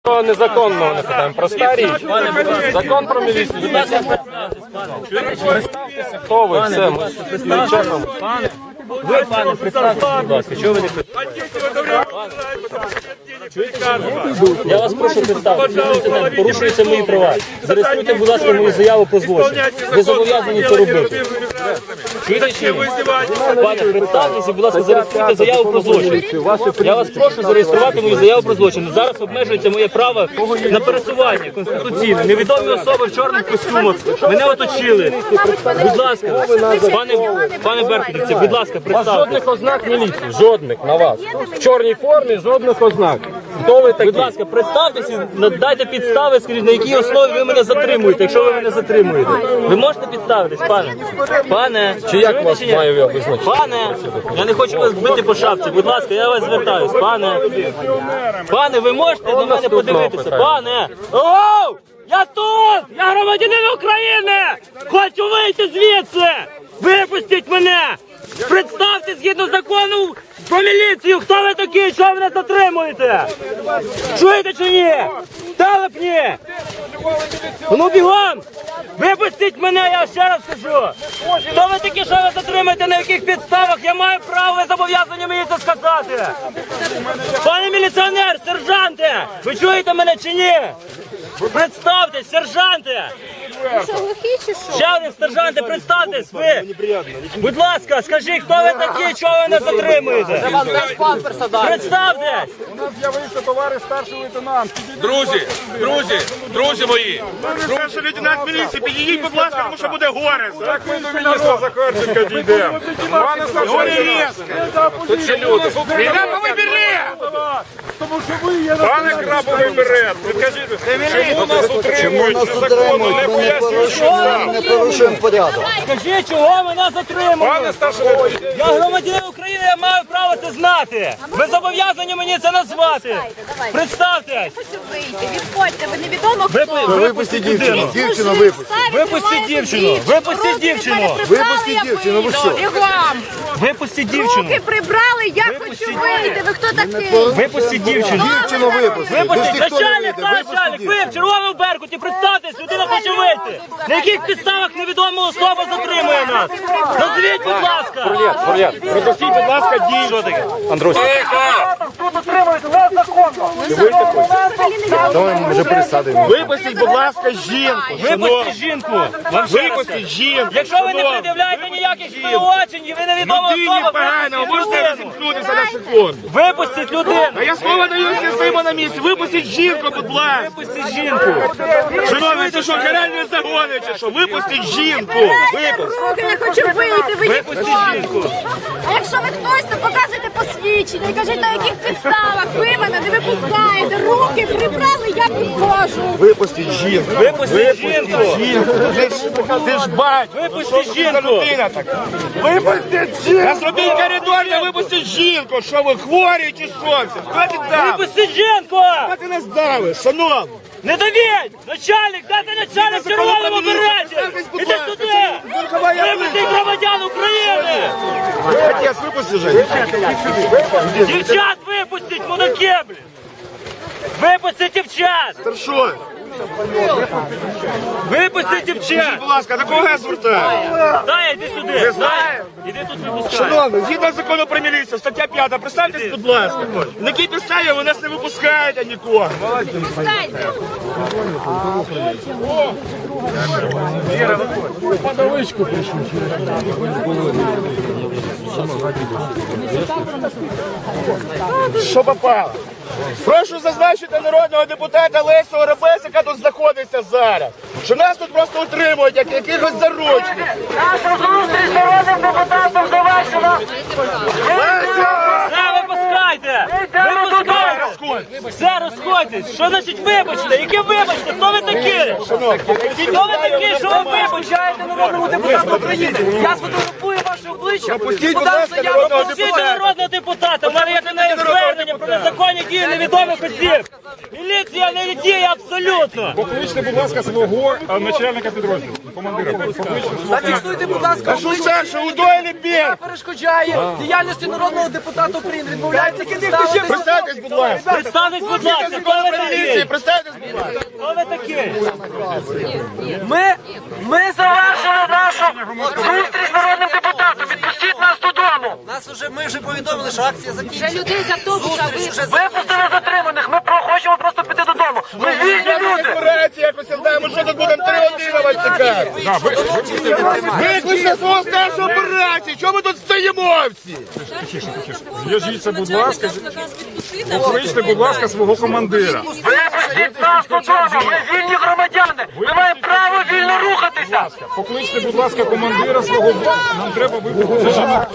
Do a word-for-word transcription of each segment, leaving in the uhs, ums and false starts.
Незаконно не питаємо. Проста річ. Закон про міліцію. Представтеся, хто ви, все, ми не чекаємо. Ви, пане, представтеся, будь ласка, чого ви не Я вас прошу представитися, порушуються мої права. Зареєструйте, будь ласка, мою заяву про злочин. Ви зобов'язані це робити. Чуєте чи ні? Пане, представтеся, будь ласка, зареєструйте заяву про злочин. Я вас прошу зареєструвати мою заяву про злочин. Зараз обмежується моє право на пересування конституційне. Невідомі особи в чорних костюмах мене оточили. Будь ласка, пане, пане Беркутівці, будь ласка, представтеся. Жодних ознак міліції, жодних на вас. В чорній формі жодних ознак. Хто ви такі? Будь ласка, представтеся, дайте підстави, скажіть, на якій основі ви мене затримуєте, якщо ви мене затримуєте. Ви можете підставитись, пане? Пане, Чи як вас маю я визначити? Пане, я не хочу вас бити по шапці, будь ласка, я вас звертаюсь. Пане, пане, ви можете на мене подивитися? Пане, оу, я тут, я громадянин України, хочу вийти звідси, випустіть мене, представте згідно закону про міліцію, хто ви такі, що ви мене затримуєте? Чуєте чи ні? Телепні! Ну бігом! Випустіть мене, я ще раз кажу! Хто ви такі, що ви затримуєте, на яких підставах? Я маю право, ви зобов'язані мені це сказати! Пане міліціонер, сержанте! Ви чуєте мене чи ні? Представтесь, сержанте! Що, глухі чи що? Ще один, сержанте, представтесь, ви! Будь ласка, скажіть, хто ви такі, чого ви не затримуєте? Представтесь! У нас з'явився товариш старший лейтенант. Друзі, друзі, друзі мої, старший лейтенант міліції, підійдіть, будь ласка, тому що буде горе. Так ми до міністра Захарченка дійдемо. Пане старший лейтенант, Тут ще люди. Краповий берет! тому що ви є на Пане Краповий берет, підкажіть, чому нас утримують незаконно, не пояснюють, що Ми не порушуємо порядок. Скажіть, чого мене затримують? Пане старший лейтенант, Я громадянин України, я маю право це знати. Ви зобов'язані мені це назвати. Представтесь. Хочу вийти, відходьте, ви невідомо хто. Ви, випустіть дівчину. Дівчину випустіть. Випустіть дівчину. Випустіть дівчину. Випустіть дівчину, ви що? Бігом. Випустіть дівчину. Руки прибрали, я хочу вийти. Ви хто такий? Випустіть дівчину. Дівчину випустіть. Випустіть. Ніхто не Начальник, вийде. начальник, ви в червоному беркуті, представтесь, людина хоче вийти. На яких підставах невідома особа затримує нас? Назвіть, будь ласка. Фур'єт, Фур'єт, пропустіть, будь ласка, дій. Що таке? Андрюсь. Давай ми вже пересадимо. Випустіть, будь ласка, жінку. Випустіть жінку. Вам ще раз Випустіть кажу. жінку. Якщо ви не пред'являєте ніяких співочень, і ви невідома Людині особа, погано, випустіть можете людину. розімкнутися на секунду. Випустіть людину. А я слово даю всім на місці. Випустіть жінку, будь ласка. Випустіть жінку. Шановні, це що, каральні загони чи що? Випустіть жінку. Випустіть. Руки, не хочу вийти, ви Випустіть жінку. А якщо ви хтось, то показуйте посвідчення і кажіть, на яких підставах ви мене не випускаєте. Руки прибрали, я підходжу. Випустіть жінку. Випустіть жінку. Ти ж, ти ж бать. Випустіть За жінку. людина така. Випустіть жінку. Зробіть коридор, не випустіть жінку. Що ви, хворі чи що? Хто ти там? Випустіть жінку. Хто ти нас давиш, шановні? Не давіть! Начальник, дайте начальник в червоному береті! Іди сюди! Випустіть громадян України! Отець, випусти же. Дівчат випустіть, мудаки, блін! Випустіть дівчат! Старшой, Випустіть дівчат! будь ласка, до кого я звертаю? Дай, іди сюди! Дай! Іди тут випускай! Шановні, згідно закону про міліцію, стаття п'ята, представтесь, будь ласка. На якій підставі ви нас не випускаєте нікого? Випускайте. Що попало? Прошу зазначити народного депутата Лесю Оробеса, яка тут знаходиться зараз, що нас тут просто утримують, як якихось заручників. Наша зустріч з народним депутатом завершена! Все, випускайте! Випускайте! Все, розходьтесь! Що значить вибачте? Яке вибачте? Хто ви такі? Хто ви такі, що ви вибачаєте народному депутату України? Я сфотографую фотографує ваше обличчя. Пропустіть, будь подам ласка, заяву народного про Всі депутата. народного депутата, в мене є до неї звернення про незаконні дії невідомих осіб. Міліція не діє абсолютно. Покличте, будь ласка, свого а, начальника підрозділу, командира. Покличте. Зафіксуйте, будь ласка, А що обличчя. це, що удойлі бір? Перешкоджає діяльності народного депутата України. Відмовляється підставити. Представтесь, будь ласка. Представтесь, будь ласка, хто ви Поліції, такий? представтесь, будь ласка. Хто ви такий? Ми, ми завершили нашу зустріч з народним депутатом. Відпустіть нас додому. Нас вже ми вже повідомили, що акція закінчена. Вже людей з автобуса Зустріч вже Випустили затриманих. Ми про- хочемо просто піти додому. Ми вільні люди. Збирається якось, я знаю, ми що тут будемо три години вас чекати. Викличте свого старшого операції, чого ми тут стоїмо всі? Зв'яжіться, будь ласка, покличте, будь ласка, свого командира. Випустіть нас додому. Ми вільні громадяни. Ми маємо право вільно рухатися. Покличте, будь ласка, командира свого. Нам треба випустити жінок.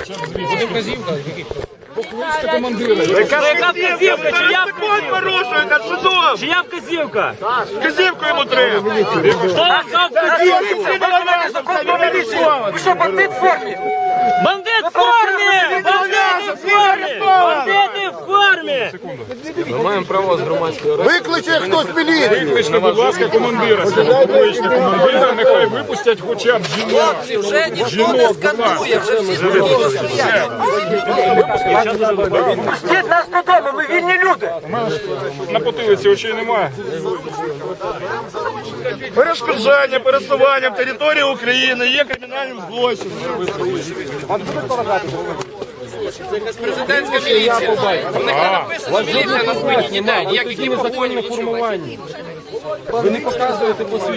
Покличте командира. Яка вказівка? Чия Закон порушуєте, судом. Чия вказівка? Вказівку йому треба. Хто вам сказав вказівку? Ви що, бандит в формі? Бандит в формі! Бандити в формі! Бандити в формі! Викличе хтось міліцію. Викличте, будь ласка, командира. свого. Покличте командира, нехай випустять хоча б жінок. хлопці, вже ніхто не скандує, вже всі спокійно стоять. Пустіть нас додому. Ми вільні люди. На потилиці очей немає. Перешкоджання пересуванням території України є кримінальним злочином. Президентська міліція. У них не написано міліція на спині, ніде, ніяких ні погонів, нічого. Ви не показуєте посвідчення.